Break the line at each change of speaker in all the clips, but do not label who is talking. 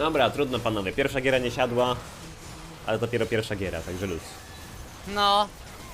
Dobra, trudno panowie. Pierwsza giera nie siadła, ale dopiero pierwsza giera, także luz.
No.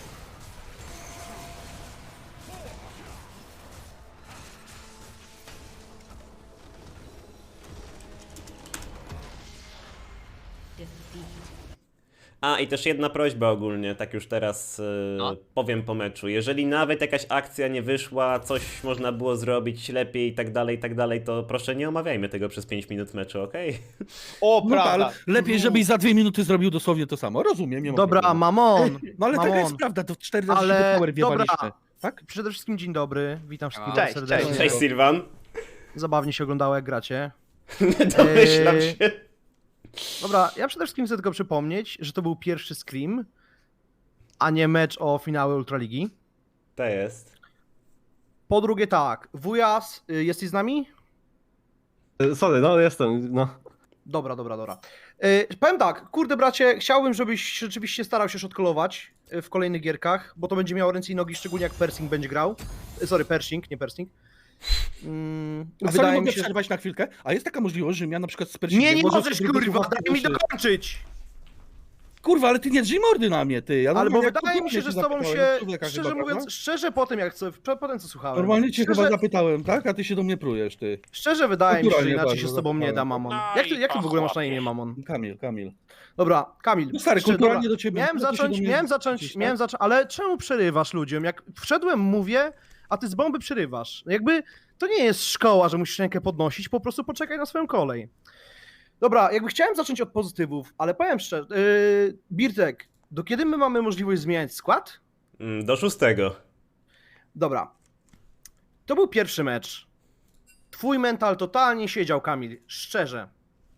A, i też jedna prośba ogólnie, tak już teraz
No.
powiem po meczu. Jeżeli nawet jakaś akcja nie wyszła, coś można było zrobić lepiej i tak dalej, to proszę nie omawiajmy tego przez 5 minut meczu, okej?
O,
No tak,
prawda.
ale lepiej, żebyś za 2 minuty zrobił dosłownie to samo. Rozumiem, nie ma
Dobra,
problemu.
Mamon.
No ale taka
Mamon.
jest prawda, to 4 razy
Ale
ale... power wjebaliśmy.
dobra.
Tak?
Przede wszystkim dzień dobry, witam wszystkich
Cześć,
bardzo serdecznie.
cześć.
Cześć Sylwan.
Zabawnie się oglądało jak gracie.
Domyślam się.
Dobra, ja przede wszystkim chcę tylko przypomnieć, że to był pierwszy Scream, a nie mecz o finały Ultraligi.
To jest.
Po drugie tak, Wujas, jesteś z nami?
Sorry, no jestem, no.
Dobra. Powiem tak, kurde bracie, chciałbym, żebyś rzeczywiście starał się shotcallować w kolejnych gierkach, bo to będzie miało ręce i nogi, szczególnie jak Persing będzie grał. Sorry, Pershing, nie Persing.
A sorry, mogę przerwać na chwilkę? A jest taka możliwość, że ja na przykład z Pershingiem...
Nie
może
możesz,
sobie
kurwa,
słuchawki
daj mi
uszy.
dokończyć!
Kurwa, ale ty nie drzyj mordy na mnie, ty. Ja
Albo
normalnie jak
wydaje mi
kupiłem,
się, że z tobą
zapytałem,
się,
człowieka
szczerze
chyba,
mówiąc,
prawda?
szczerze po tym, potem co słuchałem.
Normalnie cię
szczerze,
chyba zapytałem, tak? A ty się do mnie prujesz, ty.
Szczerze wydaje mi się, że
Naturalnie
inaczej się
bardzo
z tobą nie da,
zapytałem.
Mamon.
No
Jak ty
i
w ogóle masz na imię,
pochłopie.
Mamon?
Kamil.
Dobra, Kamil.
No stary,
szczerze,
kulturalnie
dobra.
do ciebie.
Miałem
no to się do mnie
zacząć,
zwrócisz, tak?
ale czemu przerywasz ludziom? Jak wszedłem, mówię, a ty z bomby przerywasz. Jakby to nie jest szkoła, że musisz rękę podnosić, po prostu poczekaj na swoją kolej. Dobra, jakby chciałem zacząć od pozytywów, ale powiem szczerze, Birtek, do kiedy my mamy możliwość zmieniać skład?
Do 6.
Dobra. To był pierwszy mecz. Twój mental totalnie siedział, Kamil. Szczerze.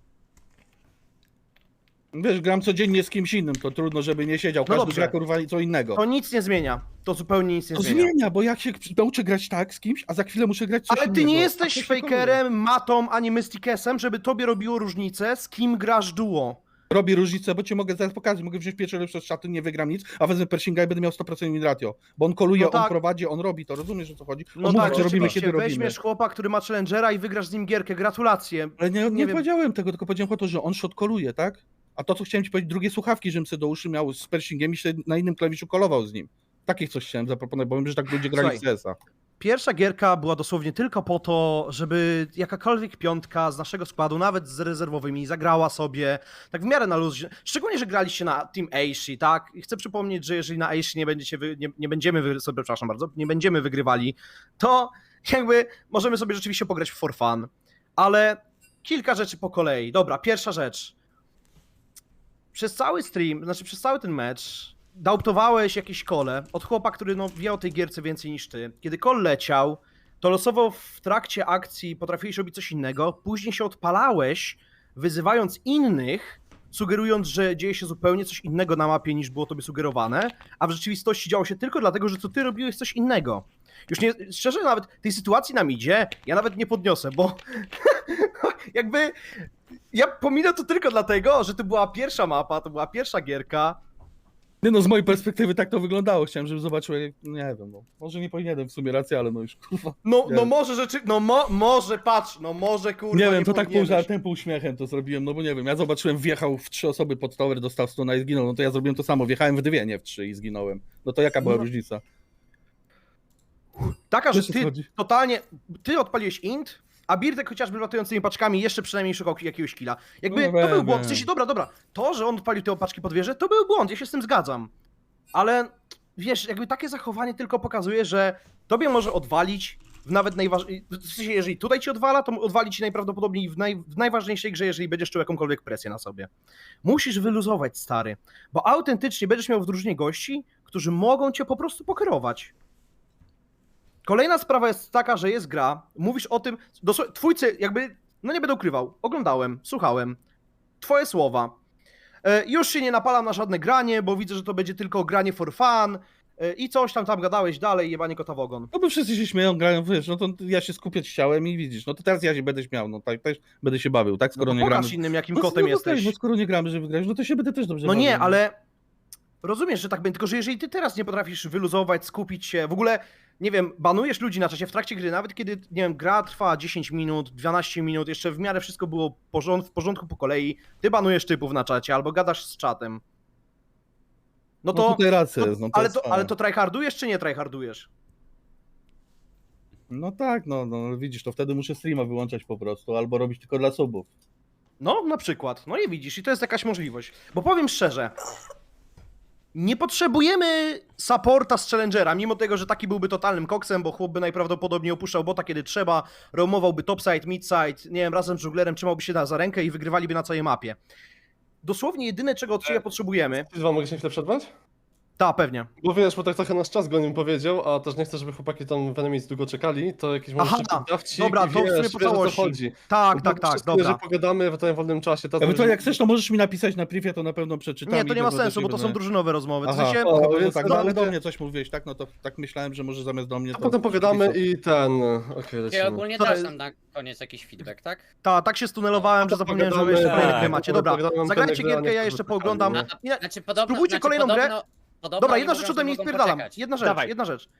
Wiesz, gram codziennie z kimś innym, to trudno, żeby nie siedział.
No
Każdy
dobrze.
gra kurwa co innego.
To nic nie zmienia. To zupełnie nic nie
To
zmienia.
zmienia, bo jak się nauczę grać tak z kimś, a za chwilę muszę grać coś
Ale ty
innego.
nie
A
jesteś
to się
fakerem, matą, ani mystikesem, żeby tobie robiło różnicę, z kim grasz duo.
Robi różnicę, bo cię mogę zaraz pokazać, mogę wziąć pierwszy lepszy szaty, nie wygram nic, a wezmę Pershinga i będę miał 100% win ratio. Bo on koluje,
No tak.
on prowadzi, on robi to, rozumiesz o co chodzi?
No
on
tak,
mówi, co robimy,
rzeczywiście,
kiedy robimy.
weźmiesz chłopa, który ma challengera i wygrasz z nim gierkę. Gratulacje.
Ale nie
wiem.
powiedziałem tego, tylko powiedziałem o to, że on shotkoluje, tak? A to, co chciałem ci powiedzieć, drugie słuchawki, żebym sobie do uszy miał z Pershingiem i się na innym klawiszu kolował z nim. Takie coś chciałem zaproponować, bo wiem, że tak ludzie grali w
Słuchaj.
CS-a.
Pierwsza gierka była dosłownie tylko po to, żeby jakakolwiek piątka z naszego składu, nawet z rezerwowymi, zagrała sobie tak w miarę na luz. Szczególnie, że graliście na Team Aishi, tak? I chcę przypomnieć, że jeżeli na Aishi nie będziemy wygrywali, to jakby możemy sobie rzeczywiście pograć w for fun. Ale kilka rzeczy po kolei. Dobra, pierwsza rzecz. Przez cały stream, znaczy przez cały ten mecz dauptowałeś jakieś kole od chłopa, który no, wie o tej gierce więcej niż ty. Kiedy kol leciał, to losowo w trakcie akcji potrafiłeś robić coś innego, później się odpalałeś, wyzywając innych, sugerując, że dzieje się zupełnie coś innego na mapie niż było tobie sugerowane, a w rzeczywistości działo się tylko dlatego, że to ty robiłeś coś innego. Już nie, szczerze nawet tej sytuacji nam idzie, ja nawet nie podniosę, bo jakby ja pominę to tylko dlatego, że to była pierwsza mapa, to była pierwsza gierka.
Nie no, z mojej perspektywy tak to wyglądało. Chciałem, żeby zobaczył, jak... nie wiem, no. Może nie powinienem w sumie rację, ale no już kurwa.
No,
Nie.
no może rzeczy, no może patrz, no może kurwa
Nie wiem, to tak pół
powinieneś.
żartem, pół śmiechem to zrobiłem, no bo nie wiem, ja zobaczyłem, wjechał w 3 osoby pod tower, dostał stuna i zginął, no to ja zrobiłem to samo, wjechałem w 2, nie w 3 i zginąłem. No to jaka była
No.
różnica?
Taka, że
Wiesz, o co
ty
chodzi?
totalnie, ty odpaliłeś int, a Birtek chociażby latającymi paczkami jeszcze przynajmniej szukał jakiegoś killa. Jakby
No
to był
wiem,
błąd, w
wiem.
sensie dobra, to, że on odpalił te opaczki pod wieżę, to był błąd, ja się z tym zgadzam. Ale wiesz, jakby takie zachowanie tylko pokazuje, że tobie może odwalić w nawet w sensie, jeżeli tutaj ci odwala, to odwali ci najprawdopodobniej w najważniejszej grze, jeżeli będziesz czuł jakąkolwiek presję na sobie. Musisz wyluzować, stary, bo autentycznie będziesz miał w drużynie gości, którzy mogą cię po prostu pokierować. Kolejna sprawa jest taka, że jest gra, mówisz o tym, twójcy jakby, no nie będę ukrywał, oglądałem, słuchałem, twoje słowa. Już się nie napalam na żadne granie, bo widzę, że to będzie tylko granie for fun i coś tam gadałeś dalej, jebanie kota w ogon.
No bo wszyscy się śmieją, grają, wiesz, no to ja się skupiać chciałem i widzisz, no to teraz ja się będę śmiał, no tak też będę się bawił, tak, skoro
No
nie gramy.
pokaż innym, jakim
No,
kotem
no,
jesteś.
No skoro nie gramy, żeby grać, no to się będę też dobrze
No
bawił.
nie, ale Rozumiesz, że tak będzie, tylko że jeżeli ty teraz nie potrafisz wyluzować, skupić się, w ogóle, nie wiem, banujesz ludzi na czasie w trakcie gry, nawet kiedy, nie wiem, gra trwa 10 minut, 12 minut, jeszcze w miarę wszystko było w porządku po kolei, ty banujesz typów na czacie albo gadasz z czatem. No to,
tutaj racja jest, no to
ale,
jest
ale to tryhardujesz czy nie tryhardujesz?
No tak, no widzisz, to wtedy muszę streama wyłączać po prostu, albo robić tylko dla subów.
No, na przykład. No i widzisz, i to jest jakaś możliwość. Bo powiem szczerze, nie potrzebujemy supporta z Challengera, mimo tego, że taki byłby totalnym koksem, bo chłop by najprawdopodobniej opuszczał bota, kiedy trzeba, roamowałby topside, midside, nie wiem, razem z żuglerem trzymałby się za rękę i wygrywaliby na całej mapie. Dosłownie jedyne, czego od ciebie potrzebujemy...
Wam mogę się chwilę przerwać?
Ta, pewnie.
Bo wiesz, bo tak trochę nasz czas go nim powiedział, a też nie chcę, żeby chłopaki tam w Enemies długo czekali, to jakieś może
Aha,
szybki drawcik,
dobra, to w sumie
wiesz,
po
wiesz, o co
całości.
chodzi.
Tak,
Bo
tak, tak,
wszystko,
dobra.
że pogadamy w tym wolnym czasie. To
Ewentualnie jak chcesz, to możesz mi napisać na privie, to na pewno przeczytam.
Nie, to
i
nie ma
będę
sensu, bo to
będę-
są drużynowe rozmowy. W
Aha,
sensie...
o,
no,
więc
tak,
to
no, ale do
będzie-
mnie coś mówiłeś, tak? No to tak myślałem, że może zamiast do mnie
A
to...
potem pogadamy i ten... Okej,
I
lecimy.
ogólnie
To
dasz
jest-
nam na koniec jakiś feedback, tak?
Tak się stunelowałem, że zapomniałem, że wy jeszcze
Pogadamy,
kolejny grę
tak,
macie.
potem
Dobra,
pogadamy,
zagrajcie
potem
gierkę, ja
grę,
jeszcze
nie?
pooglądam.
No.
Nie,
Znaczy podobno...
Spróbujcie
znaczy
kolejną grę.
podobno
Dobra,
oni
jedna
mówią,
rzecz
że
ode mnie
mogą
spierdalam.
poczekać.
Jedna rzecz,
Dawaj.
jedna rzecz.